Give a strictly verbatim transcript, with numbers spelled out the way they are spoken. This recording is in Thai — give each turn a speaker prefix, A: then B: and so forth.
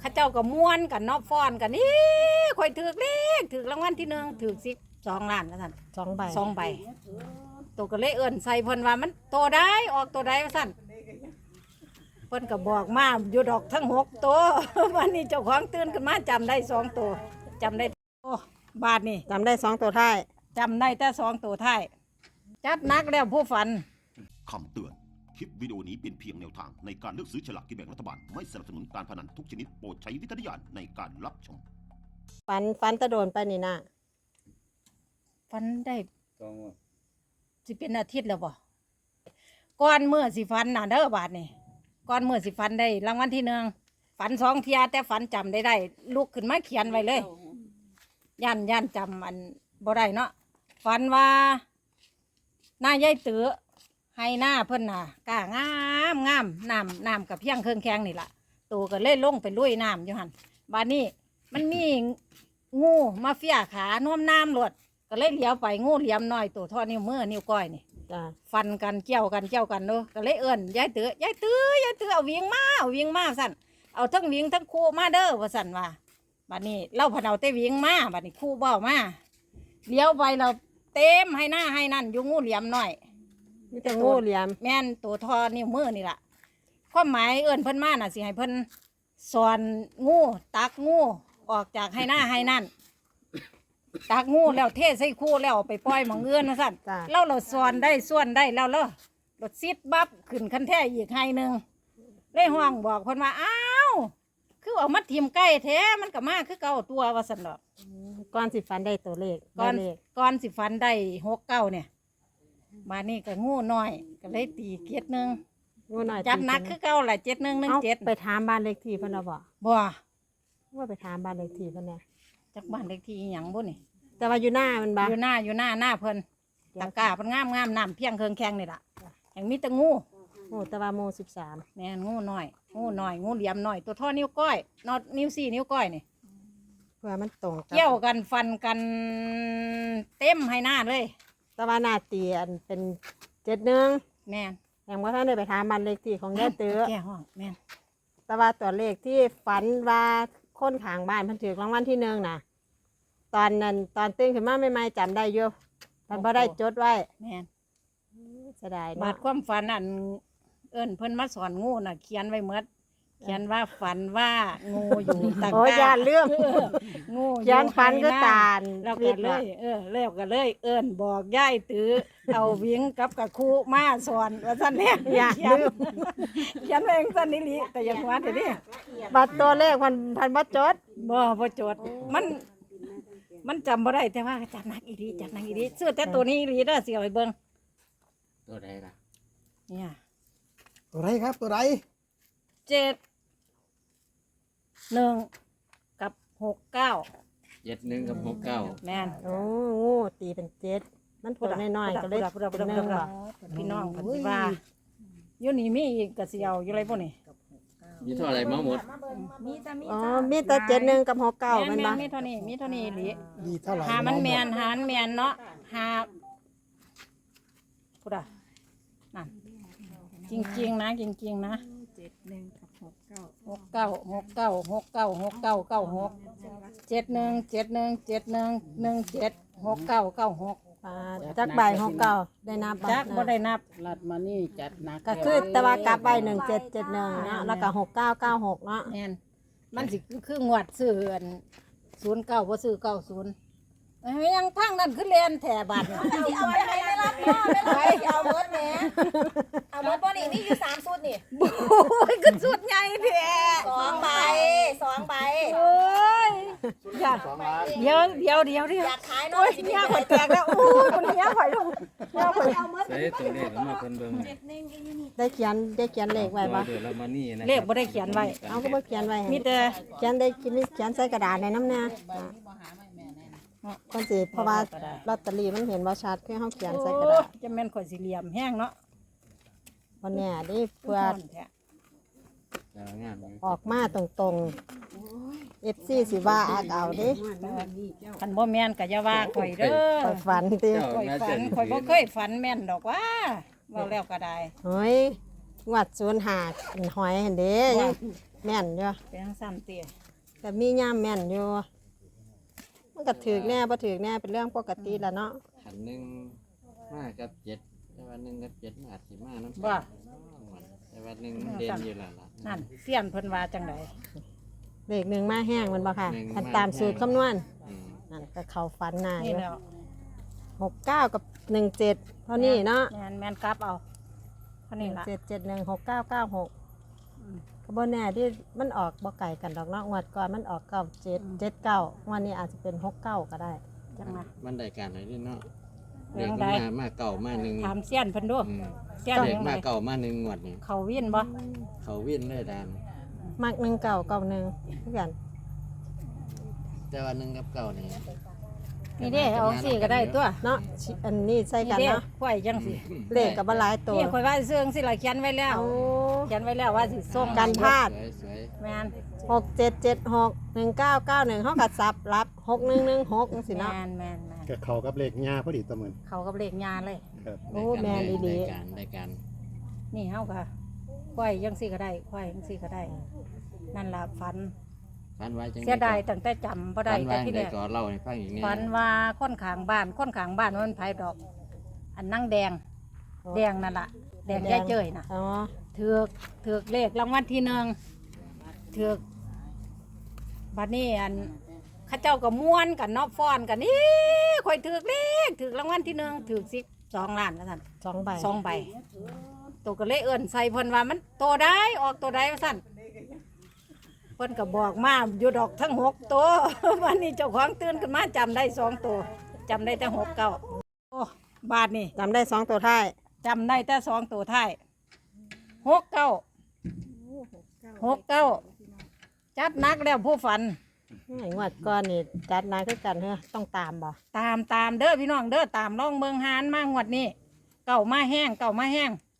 A: ข้าเจ้าก็ม้วนกันเนาะฟ้อนกันนี่ข่อยถือเลขถือรางวัลที่หนึ่งถือสิบสองล้านแล้วท่าน
B: สองใบ
A: สองใบตัวก็เลยเอิ้นใส่เพิ่นว่ามันโตได้ออกตัวได้ว่าซั่นเพิ่นก็บอกมาอยู่ดอกทั้งหกตัว วันนี้เจ้าของตื่นขึ้นมาจำได้สองตัวจำได้โอ้บาทนี่
B: จำได้สองตัวท้าย
A: จำได้แต่สองตัวท้ายจัดหนักแล้วผู้ฝัน
C: คำเตือน คลิปวิดีโอนี้เป็นเพียงแนวทางในการเลือกซื้อฉลากกินแบ่งรัฐบาล ไม่สนับสนุนการพนันทุกชนิดโปรดใช้วิจารณญาณในการรับชม
B: ฟันฟันตะโดนไปนี่นะ
A: ฝันได้
D: สองวัน
A: สิเป็นอาทิตย์แล้วบ่ก่อนเมื่อสิฝันน่ะเด้อบาทนี่ก่อนเมื่อสิฝันได้รางวัลที่หนึ่งฝันสองเทียแต่ฝันจำได้ได้ลุกขึ้นมาเขียนไว้เลยย่านย่านจำอันบ่ได้เนาะฝันว่าหน้ายายเตือให้หน้าเพิ่นน่ะกล้างามงามน้ำน้ำกับเพียงเครื่องแข็งนี่ล่ะตัวก็เลยลงไปลุยน้ำอยู่หันบาดนี้มันมีงูมาเฟียขาน่วมน้ำหลดก็เลยเหลียวไปงูเหลี่ยมน้อยตัวเท่อนิ้วมือนิ้วก้อยนี่
B: จ้ะ
A: ฟันกันเกี่ยวกันเกี่ยวกันเนาะก็เลยเอิ้นยายเตือยายเตือยายเตือเอาวิ่งมาเอาวิ่งมาสั่นเอาทั้งวิ่งทั้งคู่มาเด้อว่าสั่นว่าบัดนี้เล่าพะเนาเต้วิ่งมาบัดนี้คู่เบ้ามาเลี้ยวไปเราเต็มให้หน้าให้นั่นอยู่งูเหลี่ยมน้อย
B: มีแต่งูเหลี่ยม
A: แม่นตัวทอนิ้วมือนี่ล่ะความหมายเอิ้นเพิ่นมาน่ะสิให้เพิ่นสอนงูตักงูออกจากให้หน้าให้นั่นตักงูแล้วเทใส่คู่แล้วเอาไปปล่อยหมองเอื้อนนะสั่น
B: จ้ะ
A: เราเราสอนได้ส่วนได้แล้วเรารถซิดบับขึ้นคันแท้อีกให้หนึ่งเลยห้องบอกเพิ่นว่าอ้าวคือเอามาทิมใกล้แท้มันก็มาคือเก่าตัวว่าสั่นดอก
B: ก้อนสิฟันได้ตัวเลข
A: ก่อน
B: ได้เลข
A: ก่อนสิฟันได้หกเก้าเนี่ยมานี่ก็งูน้อยก็เลยตีเกียรหนึ่ง
B: งูหน่อย
A: จัดหนักคือเก่าแหละเจ็ดหนึ่งหนึ่ง
B: เอา
A: เจ็ด
B: ไปถามบ้านเลขที่เพิ่นเอาบ่
A: บ่
B: ว่าไปถามบ้านเลขที่เพิ่นเนี่ย
A: จากบ้านเลขที่อหย่างบุนี่
B: แต่ว่าอยู่หน้ามันบ่
A: อยู่หน้าอยู่หน้าหน้าเพิ่นตะกร้าเพิ่นงามงามน้ำเพียงเครื่องแข็งนี่ล่ะแห่งมีแต่งู
B: โอ้แต่ว่าโมสิบสาม
A: แม่นงูน้อยงูน้อยงูเหลี่ยมน้อยตัวเท่อนิ้วก้อยนอดนิ้วสี่นิ้วก้อยนี่
B: เพื่อมันตรงบ
A: เกี่ยวกันฟันกันเต็มให้หน้าเลย
B: แต่ว่าหน้าเตียนเป็นเจ็ดหนึ่ง
A: แม่น
B: อย่างว่าท่านได้ไปถามบ้านเลขที่ของยายเตือ
A: แก่ห้องแม่น
B: แต่ว่าตัวเลขที่ฝันว่าคนข้างบ้านเพิ่นถือรางวัลที่หนึ่งน่ะ ตอนนั้นตอนตื่นขึ้นมาใหม่ๆจำได้อยู่มันบ่ได้จดไว้
A: แม่น
B: เสียดาย
A: บา
B: เนาะ
A: ดความฝันอันเอิ้นเพิ่นมาสอนงูน่ะเขียนไว้หมดเขียนว่าฝันว่างูอยู่ตะก
B: โอ้ย
A: ร้า
B: ย่านเรื่อง
A: เอองูอ
B: เขียนฝันก็
A: ให้ห
B: ตาล
A: แล้ว
B: วิ
A: ก็
B: ทย์
A: เล
B: น่ะ
A: ยเออแล้วก็เลย เอิ้นบอกยายตื้อเอาวิ่งกับกะคูมาสอนว่าซั่นแหละ
B: อย่า
A: เขียน
B: ลืม
A: เขียนไว้จังซั่นนี่ลิแต่อย่างว่าเดี๋ยวนี้
B: บัตรตัวเลขพันพันบัตรจด
A: บ่บ่จดมัน มันจำบ่ได้แต่ว่าจัดหนักอีหลีจัดหนักอีหลีซื้อแต่ตัวนี้อีหลีเด้อสิเอาไปเบิ่ง
D: ตัวใดล่ะ
A: เนี่ย
E: ตัวไรครับตัวไร
A: เจ็ดหนึ่งกับหกเก้า
D: เจ็ดหนึ่งกับหกเก้า
A: แม่น
B: โอ้งูตีเป็นเจ็ดมันตัวน้อยๆก็เลย
A: พูดอะพู
B: เป็
A: ด
B: น
A: อะ
B: ห
A: พู
B: นึ่
A: ด
B: ง
A: อะ
B: บ่
A: พี่น้องเพันธิว่าอยู่นี่มีอีกกระเสียวอยู่ไรพวกนี้
D: มีเท่าไหรมาหมด
B: อ๋อมีแต่เจ็ดหนึ่งกับหกเก้า
A: แม่
B: แมัน
A: น
B: บ่
A: แม่นมีเท่านี้มีเท่านี้อีหลี
E: มีเท่าไหร่
A: หามันแมน
E: องหด
A: หามันแมนเนาะหาพูดอะนั่นจริงๆนะจริงๆนะเจ็ดหนึ่งกับหกเก้าหกเก้าหกเก้าหกเก้าหกเก้าเก้าหกเจ็ดหนึ่งเจ็ดหนึ่งเจ็ดหนึ่งหนึ่งเจ็ดหกเก้าเก้าหก
B: อ่าจักใบหกเก้าได้นับบ่
A: จักบ่ได้นับ
F: ลัดมานี่จัดหนัก
B: ก็คือแต่ว่ากลับใบหนึ่งเจ็ดเจ็ดหนึ่งเนาะแล้วก็หกเก้าเก้าหกเนาะ
A: แม่นมันสิคืองวดซื้ออันศูนย์เก้าบ่ซื้อเก้าศูนย์ยังทางนั้นคือเรียนแถบาทนี่
G: เอาไปให้ไม่รับพ่อไม่รับเอาเบิร์ดแหมเอาเบิร์ดบ่นี่นี่อยู่สามชุดนี่
A: โอ้ยคือสุดใหญ่แท้
G: สองใบสองใบ
A: โอ้ยอย่าเดี๋ยวเดี๋ยวเดี๋ยวเดี๋ยว
G: อยากขายน้อ
A: โอ้
G: ย
A: ยเหี้ยข่อยแตกแล้วโอ้ยมันเหี้ยข่อยลงเหี้ยข่อย
D: ใส่ตัวเลขออกมาเพิ่นเบิ่ง
B: ได้เขียนได้เขียนเลขไว้บ่
D: เดี๋ยวเรามานี่นะ
A: เลขบ่ได้เขียนไว้
B: เอาก็บ่เขียนไว้
A: มีแต่
B: เขียนได้กินเขียนใส่กระดาษในน้ำเนี่ยคนสิเพราะว่าลอตเตอรี่มันเห็นว่าชัดคือเฮาเขียนใส่กระดาษ
A: โอ้ยจะแม่นข่อยสิเหลี่ยมแห้งเนาะ
B: วันเนี้ยดิเพื่อ
A: แท้
D: จะงามอยู่
B: ออกมาตรงๆ เอฟ ซี สิว่าอากเอาเดิ
A: คันบ่แม่นก็อย่าว่าข่อยเด้อ
B: ไปฝันติ
D: เจ้า
A: ข่อย
D: น่า
A: ฝั
D: จะ
A: นข่อยบ่เคยฝันแม่นดอกว่าเว้าแล้วก็ได้
B: เฮ้ยงวดศูนย์หาหอยเห็นเด้ยังแม่นอยู่
A: เป็นทั้งสั้นเตี้ย
B: แต่มีย่ามแม่นอยู่มันก็ถือแน่บ่ถือแน่เป็นเรื่องปกติแล้วเนาะ
D: ขันหนึ่งมากับเจ็ดแต่วันหนึ่งกับเจ็ดมันอาจสิมาน้ำ
A: ว่า
D: แต่วันหนึ่งมันเด่นอยู่แล้วล่ะ
A: นั่นเสี้ยนเพิ่นว่าจังได
B: เลขหนึ่งมาแห้งแมันบ่ค่ะ
D: หนึ่ง
B: อัน
D: มา
B: ตามสูตร
D: แห้ง
B: คำนวณ
D: อืม
B: นั่นก็เข้าฝันหน้าอ
A: นี่
B: ยู่
A: แล้ว
B: หกเก้ากับหนึ่งเจ็ดเท่านี้เนาะ
A: แม่นแม่นกลับเอาเท่านี้ล่ะ
B: เจ็ดเจ็ดหนึ่งหกเก้าเก้าหกก็บ่แน่ที่มันออกบ่ไก่กันดอกเนาะงวดก่อนมันออกเก้าเจ็ดเจ็ดเก้างวดนี้อาจจะเป็นหกเก้าก็ได้
A: จังนะ
D: มันได้การอะไรด้วยเนาะ
A: เรื่
D: เด็
A: อก ง
D: มัน
A: ใด
D: มามาเก่ามาหนึ่ง
A: ถามเสี้ยนเพิ่นดู
D: อืม
A: เสี้ยน
D: เด็ก
A: ยังไง
D: มาเก่ามาหนึ่งงวดนี่
A: เขาวินบ่
D: เขาวิ่นเลยดาน
B: มักหนึ่งเก่าเก่าหนึ่งทุกอย่าง
D: แต่ว่าหนึ่งกับเก่านี่
A: นี่เด้เอาสิก็ได้ตัว
B: เนาะชิอันนี้ใส่
A: นี่
B: กัน
A: เด้
B: เนาะ
A: ข่อยจังสิ
B: เลขกับบ่หลายตัว
A: นี่ข่อยว่าเสื่องสิล่ะเขียนไว้แล้ว
B: เอา
A: เขียนไว้แล้วว่าสิส่ง
B: กันพลาด
D: สวยสวย
A: แม่น
B: หกเจ็ดเจ็ดหกหนึ่งเก้าเก้าหนึ่งเขากัดซับรับหกหนึ่งหนึ่งหกสิเนาะ
A: แม่นแม่นแม่น
E: กับเขากับเลขหญ้าพอดีตะเหมือน
A: เขากับเลขงานเลย
E: ครับ
B: โอ้แม่นอีหลี
D: ได้การได้การ
A: นี่เฮาก็ข่อยจังสิก็ได้ข่อยจังสิก็ได้ นั่นล่ะฝัน
D: ฟันไว้จัง
A: เสียดายตั้งแต่จำบ่ได้
D: ฟัน
A: แต่
D: ไว้
A: ที่แร
D: ได้
A: ก
D: ก็เล่าให้ฟังอีกเนี่ย
A: ฝันว่าคนข้างบ้านคนข้างบ้านมันไผดอก อันนั่งแดง แดงนั่นล่ะ แดงยายเจ้ยน่ะ
B: อ๋อ
A: ถือกถือกเลขรางวัลที่หนึ่งถือกบัดนี้อันเข้าเจ้าก็ม้วนกันเนอบฟ้อนกันนี่ข่อยถือกเลขถือกรางวัลที่หนึ่งถือกสิบสองล้านนะท่าน
B: สองใบ
A: สองใบตัวก็เลยเอิ่นใส่เพิ่นว่ามันโตได้ออกตัวได้ว่าสั่นเพิ่นก็บอกมาอยู่ดอกทั้งหกตัว วันนี้เจ้าของตื่นขึ้นมาจำได้สองตัวจำได้แต่หกเก้าโอ้บาทนี่
B: จำได้สองตัวท้าย
A: จำได้แต่สองตัวท้ายหกเก้าหกเก้าจัดหนักแล้วผู้ฝัน
B: ไอ้งวดก่อนนี่จัดนายคือกันเฮ้อต้องตามบ่
A: ตามตามเด้อพี่น้องเด้อตามล่องเมืองหานมางวดนี้เก่ามาแห้งเก่ามาแห้ง